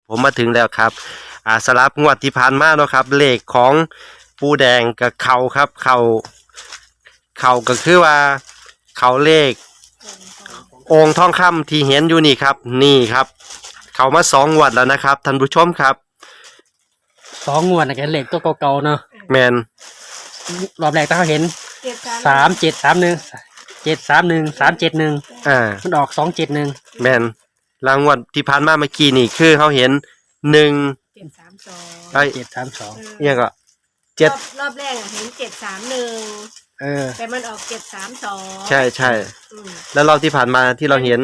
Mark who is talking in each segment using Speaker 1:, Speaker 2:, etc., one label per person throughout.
Speaker 1: ผมมาถึงแล้วครับสลับงวดที่ผ่านมาเนาะครับเลขของปูแดงกับเขาครับเขาก็คือว่าเขาเลของค์ทองคำที่เห็นอยู่นี่ครับนี่ครับเขามา2 งวดแล้วนะครับท่านผู้ชมครับ
Speaker 2: 2 งวดนะแกเหล็กตัวเก่าๆเนาะ
Speaker 1: แมน
Speaker 2: รอบแรกถ้าเขาเห็น3731 มันออก271
Speaker 1: แมนรางวัลที่ผ่านมาเมื่อกี้นี่คือเขาเห็น
Speaker 2: 732
Speaker 1: เนี่ยก็
Speaker 3: รอบแรกเห็น731แต่มันออก732
Speaker 1: ใช่แล้วรอบที่ผ่านมาที่เราเห็น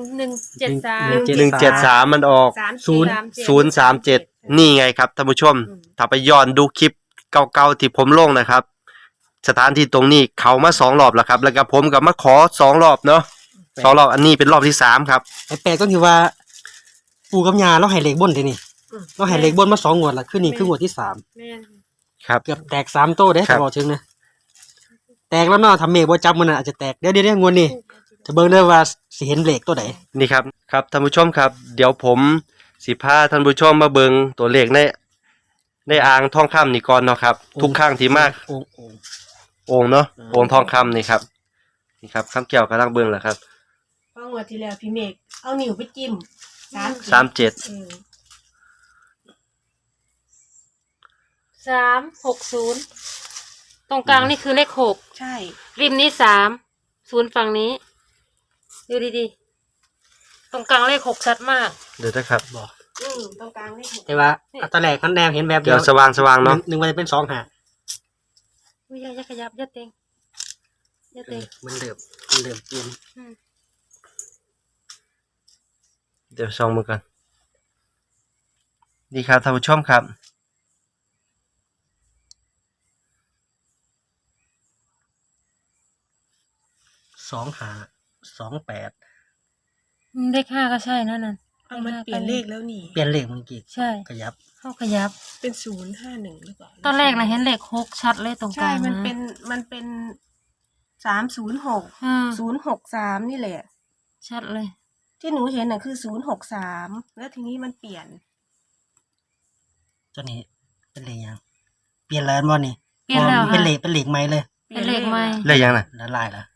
Speaker 1: 173มันออก037นี่ไงครับท่านผู้ชมถ้าไปย้อนดูคลิปเก่าๆที่ผมลงนะครับสถานที่ตรงนี้เขามา2 รอบแล้วครับแล้วก็ผมกับมาขอ2 รอบเนาะ2 รอบอันนี้เป็นรอบที่3ครับ
Speaker 2: แปลกก็คือว่าปู่กับย่าเราให้เหล็กบนทีนี่เราให้เหล็กบนมา2 งวดละคือนี่คืองวดที่3
Speaker 1: ครับ
Speaker 2: เกือบแตก3 โต้ได้บอกถึงนะแตกแล้วเนาะทำเมฆบ่จับมันอาจจะแตกเดี๋ยวงวดนี้จะเบิ่งได้ว่าสิเห็นเหล็กตัวไหน
Speaker 1: นี่ครับท่านผู้ชมครับเดี๋ยวผมสิพาท่านผู้ชมมาเบิ่งตัวเลขในอ่างทองคำนี่ก่อนเนาะครับทุกครั้งที่มากโอ่งเนาะโอ่งทองคำนี่ครับคำเกี่ยวกำลังเบิ่งแหละครับ
Speaker 3: เพราะงวดที่แล้วพี่เมฆเอานิ้วไปจิ้ม
Speaker 1: 37
Speaker 4: 360ตรงกลางนี่คือเลข6
Speaker 3: ใช่
Speaker 4: ริมนี้30ฝั่งนี้ดูดีๆตรงกลางเลข6ชัดมาก
Speaker 1: เดี๋ยวนะครับ
Speaker 2: บอก
Speaker 3: ตรงกลางเลข6
Speaker 2: แต่ว่าตอนแรกมันแนวเห็นแบบ
Speaker 1: เดี๋ยวสว่างเนาะ
Speaker 2: นึกว่าจะเป็น2 หา
Speaker 4: อุ้ยอย่าขยับอย่าเต็ง
Speaker 2: มันเริ่มเปลี่ยน
Speaker 1: เดี๋ยวส่องมือกันดีครับท่านผู้ชมครับ
Speaker 2: 2528
Speaker 4: เลข5ก็ใช่นั่น
Speaker 3: มันเปลี่ยนเลขแล้วนี่
Speaker 2: เปลี่ยนเลขเมื่อกี้
Speaker 4: ใช่
Speaker 2: ขยับ
Speaker 4: ขยับ
Speaker 3: เป็น051หรือเปล่า
Speaker 4: ตอนแรกนะเห็นเลข6ชัดเลยตรงกลาง
Speaker 3: ใช่มันเป็น306 063นี่แหละ
Speaker 4: ชัดเลย
Speaker 3: ที่หนูเห็นน่ะคือ063แล้วทีนี้มันเปลี่ยน
Speaker 2: ตัวนี้เป็นเลขยังเปลี่ยนแล้วบ่นี่
Speaker 4: เปลี่ยนแล้ว
Speaker 2: เป็นเลขใหม่เลย
Speaker 4: เป็นเลขใหม่
Speaker 1: เลขยังน่ะ
Speaker 2: ละลายละ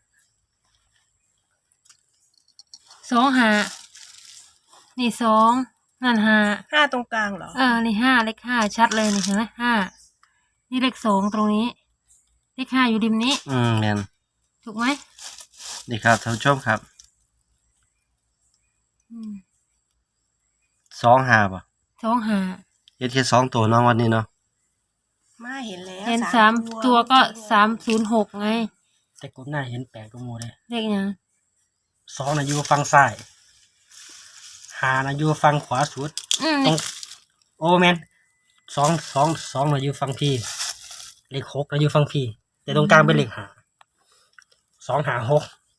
Speaker 4: 25นี่2นั่น
Speaker 3: 5ตรงกลางเหรอ
Speaker 4: นี่5เลข5ชัดเลยนี่เห็นไหม5นี่เลข2ตรงนี้เลข5อยู่ริมนี้
Speaker 1: แม่น
Speaker 4: ถูกไหม
Speaker 1: นี่ครับท่านผู้ชมครับ25ป่ะเฮ็ดแค่2 ตัวเนาะวันนี้เนาะ
Speaker 3: มาเห็นแล้ว
Speaker 4: เห็น3 ตัวก็306ไง
Speaker 2: แต่กลุ่มหน้าเห็นแปลกกว่าหมู่เลย
Speaker 4: เลขยัง
Speaker 2: 2น่ะอยู่ฝั่งซ้าย5น่ะอยู่ฝั่งขวาสุดตรงโอ้แม่น2น่ะอยู่ฝั่งพี่เลข6น่ะอยู่ฝั่งพี่แต่ตรงกลางเป็นเลข5 256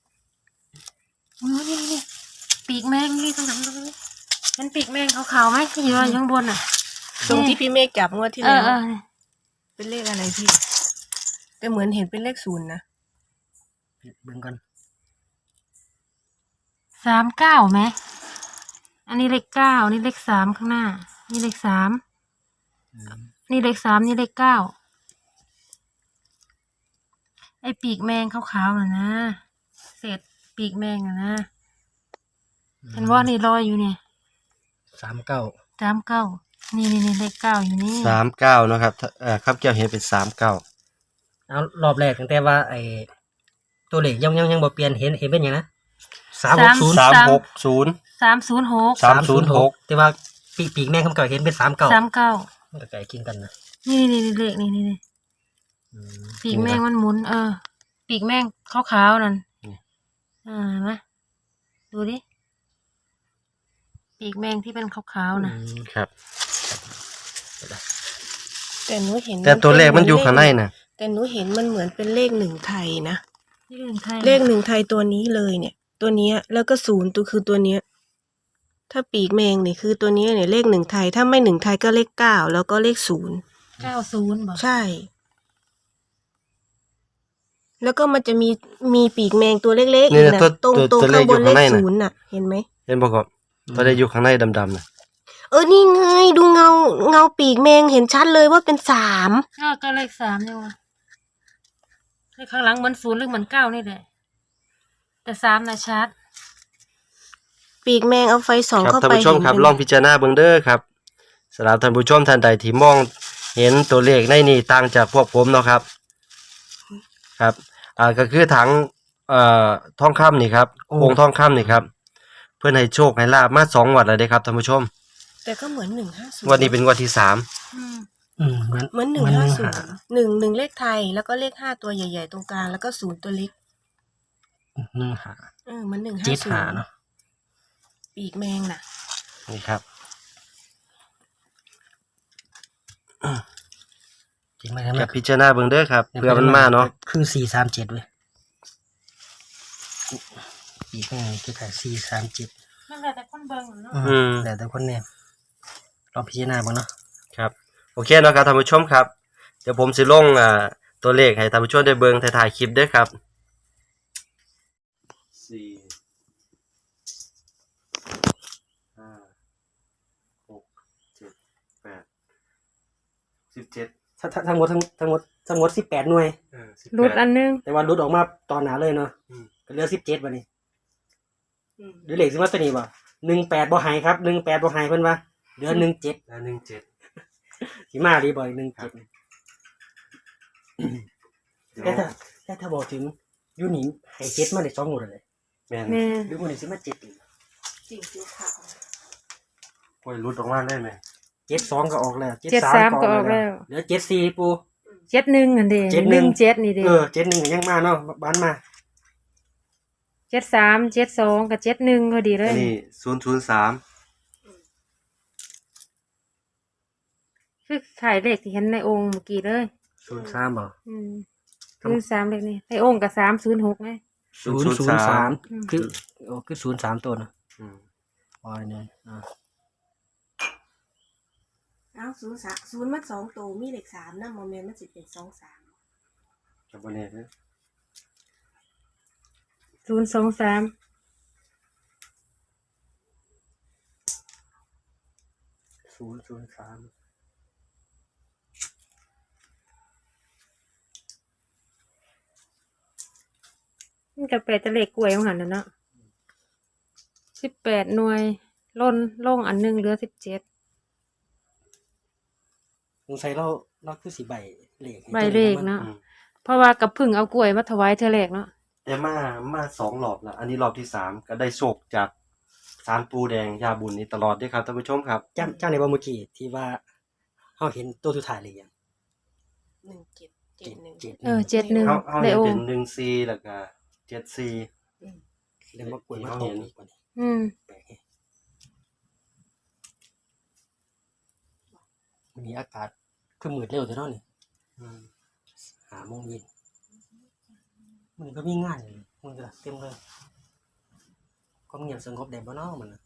Speaker 4: นี่ปีกแมงนี่ตรงนั้นเป็นปีกแมงขาวๆไหมที่อยู่ข้างบน
Speaker 3: ตรงที่พี่เมฆจับงวดที่แล้วเป็นเลขอะไรพี่แต่เหมือนเห็นเป็นเลข0นะ
Speaker 2: เบิ่งก่อน
Speaker 4: 39ไหมอันนี้เลข9นี่เลข3ข้างหน้านี่เลข3นี่เลข3นี่เลข9ไอ้ปีกแมงขาวๆน่ะนะเศษปีกแมงน่ะนะเห็นว่านี่ลอยอยู่เนี่ย39นี่เลข9อยู่นี่
Speaker 1: 39นะครับครับเกี่ยวเห็นเป็น39
Speaker 2: เอารอบแรกตั้งแต่ว่าไอ้ตัวเลขยังบ่เปลี่ยนเห็นเป็นหยังนะ
Speaker 1: 306
Speaker 2: แต่ว่าปีกแม่คำเก่าเห็นเป็น39มันก็ใกล้เคียงกันนะ
Speaker 4: นี่เลขนี่ปีกแมงมันหมุนปีกแมงขาวๆนั่นมาดูดิปีกแมงที่เป็นขาวๆ
Speaker 1: นะครับ
Speaker 3: แต่หนูเห็น
Speaker 1: แต่ตัวเลขมันอยู่ข้างในน่ะ
Speaker 3: แต่หนูเห็นมันเหมือนเป็นเลข1ไทยนะ
Speaker 4: เลข
Speaker 3: 1ไทยตัวนี้เลยเนี่ยตัวเนี้ยแล้วก็0ตัวคือตัวเนี้ยถ้าปีกแมงนี่คือตัวนี้เนี่ยเลข1ไทยถ้าไม่1ไทยก็เลข9แล้วก็เลข
Speaker 4: 090บ่
Speaker 3: ใช่แล้วก็มันจะมีปีกแมงตัวเล็กๆอีกนะตรงข้างบนเลข0น่ะเห็นไหม
Speaker 1: เห็นบ่ครับตัวเลขอยู่ข้างในดำๆน่ะ
Speaker 3: นี่ไงเงาปีกแมงเห็นชัดเลยว่าเป็นสาม
Speaker 4: ก็เลข3เนี่ยวะเลขข้างหลังเหมือน0หรือเหมือน9นี่แหละแต่3น่ะชัด
Speaker 3: ปีกแมงเอาไฟส่อง
Speaker 1: ครับ
Speaker 3: เข้า
Speaker 1: ท่าน
Speaker 3: ไป
Speaker 1: ผู้ชมครับ
Speaker 3: เห็น
Speaker 1: ลองพิจารณาเบิ่งเด้อครับสำหรับท่านผู้ชมท่านใดที่มองเห็นตัวเลขในนี่ต่างจากพวกผมเนาะครับครับก็คือถังทองคำนี่ครับองค์ทองคำนี่ครับเพื่อนให้โชคให้ลาบมา2งวดแล้วเด้ครับท่านผู้ชม
Speaker 3: แต่ก็เหมือน150
Speaker 1: งวดนี้เป็นงวดที่3
Speaker 3: เหมือน150 1เลขไทยแล้วก็เลข5ตัวใหญ่ๆตรงกลางแล้วก็0ตัวเล็ก
Speaker 2: 1
Speaker 3: เหมือน
Speaker 2: 5 7 5เนาะ
Speaker 3: 150ปีกแมงน่ะ
Speaker 1: นี่ครับ
Speaker 2: จริงไหมครับ
Speaker 1: กับพิจารณาเบิ่งเด้อครับเพื่อมันมาเนาะ
Speaker 2: คือ437เว้ยปีกแม่งคือขาย437
Speaker 4: นั่นแหละแต่คนเบิ่งเนาะ
Speaker 2: แต่คนเนี่ยลองพิจารณาบ้างเนาะ
Speaker 1: ครับโอเคเนาะครับท่านผู้ชมครับ เดี๋ยวผมสิลงตัวเลขให้ท่านผู้ชมได้เบิ่งถ่ายๆคลิปเด้อครับ4 5 6 7 8 17
Speaker 2: ทั้งหมด18หน่วย
Speaker 4: รุดอันนึง
Speaker 2: แต่ว่ารุดออกมาตอนหนาเลยเนาะ
Speaker 1: อืม
Speaker 2: ก็เหลือ17บัดนี้หรือเลขสิมาตัวนี้บ่18บ่หายครับ18บ่หายเพิ่นว่าเหลือ17
Speaker 1: แล้ว17
Speaker 2: สิมาดีบ่17แต่ถ้าบอกถึงยูนิให้7มาได้2หมดเลย
Speaker 1: แม่น
Speaker 4: แม่
Speaker 2: หรือมื้อนี้สิมา7อีก
Speaker 3: จริงสีขาว
Speaker 1: โอ้ยรุดออกมาได้ไหม
Speaker 2: 72ก็ออกแล้ว
Speaker 4: 73ก็ออกแล้ว
Speaker 2: เหลือ74ปู
Speaker 4: 71อันเด้
Speaker 2: 71
Speaker 4: 17นี่เด้
Speaker 2: 71ก็ยังมาเนาะบ้านมา
Speaker 4: 73 72กับ71พอดีเล
Speaker 1: อั
Speaker 4: ย
Speaker 1: นนี้003
Speaker 4: คือขายเลขที่เห็นในองค์เมื่อกี้เลย
Speaker 2: 03บ่
Speaker 4: 03เลขนี่ในองค์กับ306ไง
Speaker 2: 003คือ03ตัวเนาะ
Speaker 1: อืม
Speaker 2: อ๋อเนี่ย
Speaker 3: เอา0มัน2ตัวมีเลข3นะโมเมนต์มันสิเป็น23
Speaker 1: จับบ่แน่เด้อ
Speaker 4: 023
Speaker 2: 003
Speaker 4: มันก็แปลจะเลขกล้วยของหันน่ะเนาะ18หน่วยลงอันนึงเหลือ17
Speaker 2: สงสัยเราคือสิใบเลขให้
Speaker 4: ใบเลขเนาะ
Speaker 1: อืม
Speaker 4: เพราะว่ากับพึ่งเอากล้วยมาถวายเธอแรกเนาะ
Speaker 1: แต่มา2รอบแล้วอันนี้รอบที่3ก็ได้โชคจากศาลปูแดงยาบุญนี่ตลอดเด้อครับท่านผู้ชมครับ
Speaker 2: จำในบ่เมื่อกี้ที่ว่าเฮาเห็นตัวสุดท้ายเลยยัง
Speaker 3: 1771
Speaker 4: 71
Speaker 1: เฮา
Speaker 4: ใน
Speaker 1: เห็น
Speaker 4: อง
Speaker 1: เป็
Speaker 4: ค์
Speaker 1: น14แล้วก็74
Speaker 2: เรื่องว่ากล้วยมาตรงอีกกว่านี้ แปลกแฮะวันนี้อากาศคือมืดเร็วแต่เนาะนี่
Speaker 1: อืม
Speaker 2: 5 โมงเย็นมันก็มีงานเลยมันก็เต็มเลยความเงียบสงบได้บ่เนาะมันน่ะ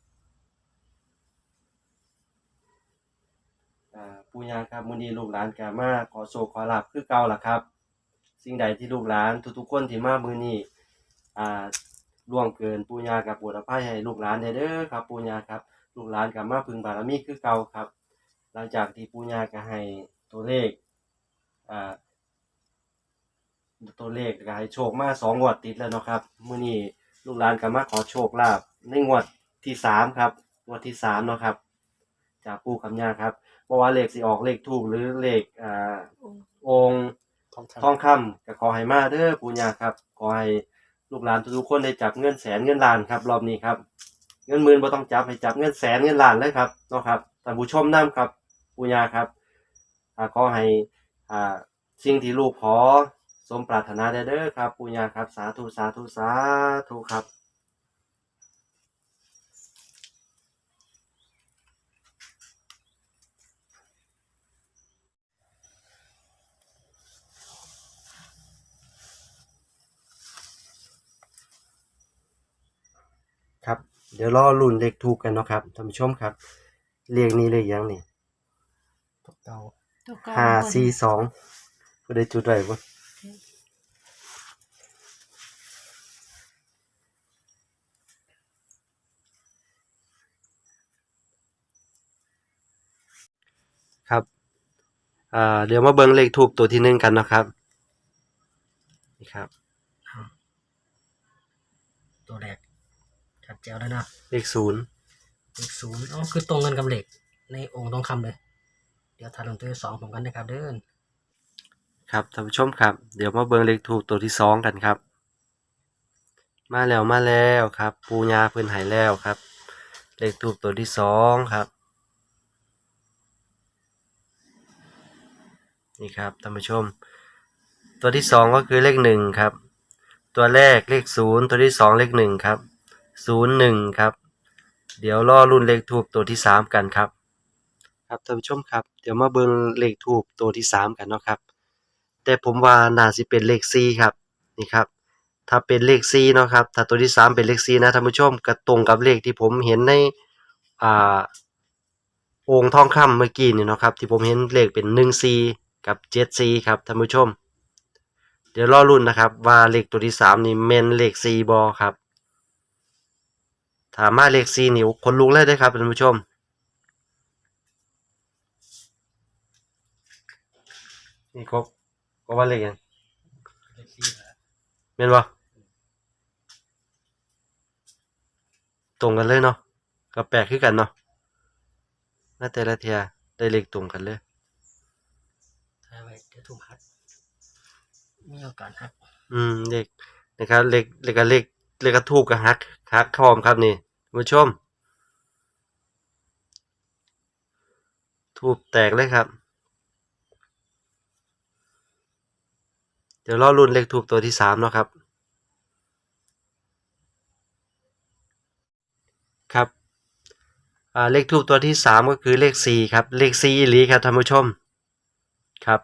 Speaker 1: ปู่ย่าครับมื้อนี้ลูกหลานก็มาขอโชคขอลาภคือเก่าล่ะครับ สิ่งใดที่ลูกหลานทุกๆคนที่มามื้อนี้ล่วงเกินปู่ย่าก็โปรดอภัยให้ลูกหลานได้เด้อครับปู่ย่าครับลูกหลานก็มาพึ่งบารมีคือเก่าครับ หลังจากที่ปู่ย่าก็ให้ตัวเลขก็ให้โชคมา2งวดติดแล้วเนาะครับมื้อนี้ลูกหลานก็มาขอโชคลาภในงวดที่3ครับงวดที่3เนาะครับจากปู่กับย่าครับบ่ว่าเลขสิออกเลขทูปหรือเลของค์ทองคำก็ขอให้มาเด้อปู่ย่าครับขอให้ลูกหลานทุกๆคนได้จับเงินแสนเงินล้านครับรอบนี้ครับเงินหมื่นบ่ต้องจับให้จับเงินแสนเงินล้านเลยครับเนาะครับท่านผู้ชมนํครับปู่ย่าครับขอให้สิ่งที่ลูกขอสมปรารถนาได้เด้อครับปู่ย่าครับสาธุสาธุสาธุครับครับเดี๋ยวรอลุ้นเลขทูปกันเนาะครับท่านผู้ชมครับเลขนี้เลขหยังนี่
Speaker 2: ตัวเก่า
Speaker 4: ตัวเก่า
Speaker 1: 542ผู้ใดจุดไว้บ่เดี๋ยวมาเบิ่งเลขทูปตัวที่หนึ่งกันนะครับนี่ครับ
Speaker 2: ตัวแรกชัดเจนแล้วนะ
Speaker 1: เลขศูนย์
Speaker 2: เลขศูนย์อ๋อคือตรงกันกับเลขในองค์ทองคำเลย เดี๋ยวถ่ายลงตัวที่สองผมกันนะครับเด้อ
Speaker 1: ครับท่านผู้ชมครับเดี๋ยวมาเบิ่งเลขทูปตัวที่สองกันครับ มาแล้วครับปูญาเพิ่นใหายแล้วครับ เลขทูปตัวที่สองครับนี่ครับท่านผู้ชม ตัวที่สองก็คือเลขหนึ่งครับ ตัวแรกเลขศูนย์ตัวที่สองเลขหนึ่งครับ01ครับเดี๋ยวรอรุ่นเลขทูปตัวที่สามกันครับครับท่านผู้ชมครับเดี๋ยวมาเบิ่งเลขทูปตัวที่สามกันเนาะครับแต่ผมว่าน่าสิเป็นเลข4ครับนี่ครับถ้าเป็นเลข4เนาะครับถ้าตัวที่สามเป็นเลข4นะท่านผู้ชมก็ตรงกับเลขที่ผมเห็นในอ่าองค์ทองคำเมื่อกี้นี่เนาะครับที่ผมเห็นเลขเป็น14กับ74ครับท่านผู้ชมเดี๋ยวรอรุ่นนะครับว่าเลขตัวที่สามนี่แม่นเลข4บ่ครับถ้ามาเลข4นี่คนลุกเลยได้ครับท่านผู้ชมนี่ครบก็ว่าเลขหยังแม่นบ่ตรงกันเลยเนาะก็แปลกคือกันเนาะน่าแต่ละเทียได้เลขตรงกันเลย
Speaker 2: ถ่ายไว้เดี๋ยวถูกหักมีโอกาสหัก
Speaker 1: เลขนะครับเลขกระทูบกับฮักพร้อมครับนี่ท่านผู้ชมทูบแตกเลยครับเดี๋ยวรอรุ่นเลขทูบตัวที่สามเนาะครับครับเลขทูบตัวที่สามก็คือเลข4ครับเลข4อีหลีครับท่านผู้ชมครับ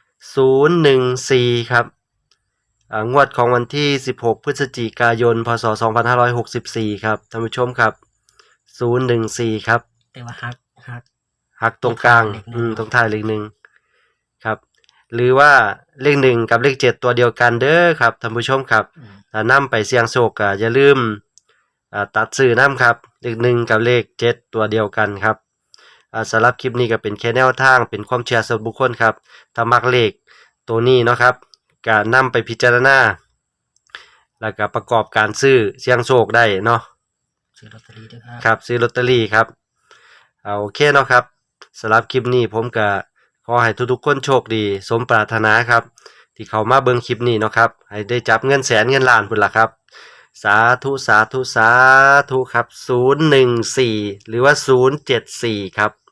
Speaker 1: 014ครับงวดของวันที่16พฤศจิกายนพศ2564ครับท่านผู้ชมครับ014ครับ
Speaker 2: แต่ว่าหัก
Speaker 1: ตรงกลางตรงท้ายเลขหนึ่งครับหรือว่าเลข1กับเลข7ตัวเดียวกันเด้อครับท่านผู้ชมครับถ้านำไปเสี่ยงโชคก็อย่าลืมตัดซื้อนำครับเลข1กับเลข7ตัวเดียวกันครับสำหรับคลิปนี้ก็เป็นแค่แนวทางเป็นความเชื่อส่วนบุคคลครับถ้ามักเลขตัวนี้เนาะครับก็นำไปพิจารณาแล้วก็ประกอบการซื้อเสี่ยงโชคได้เนาะ
Speaker 2: ซื้อลอตเตอรี่ด้วยครับ
Speaker 1: ครับซื้อลอตเตอรี่ครับโอเคเนาะครับสำหรับคลิปนี้ผมก็ขอให้ทุกๆคนโชคดีสมปรารถนาครับที่เขามาเบิ่งคลิปนี้เนาะครับให้ได้จับเงินแสนเงินล้านพุ่นล่ะครับสาธุสาธุสาธุครับ014หรือว่า074ครับ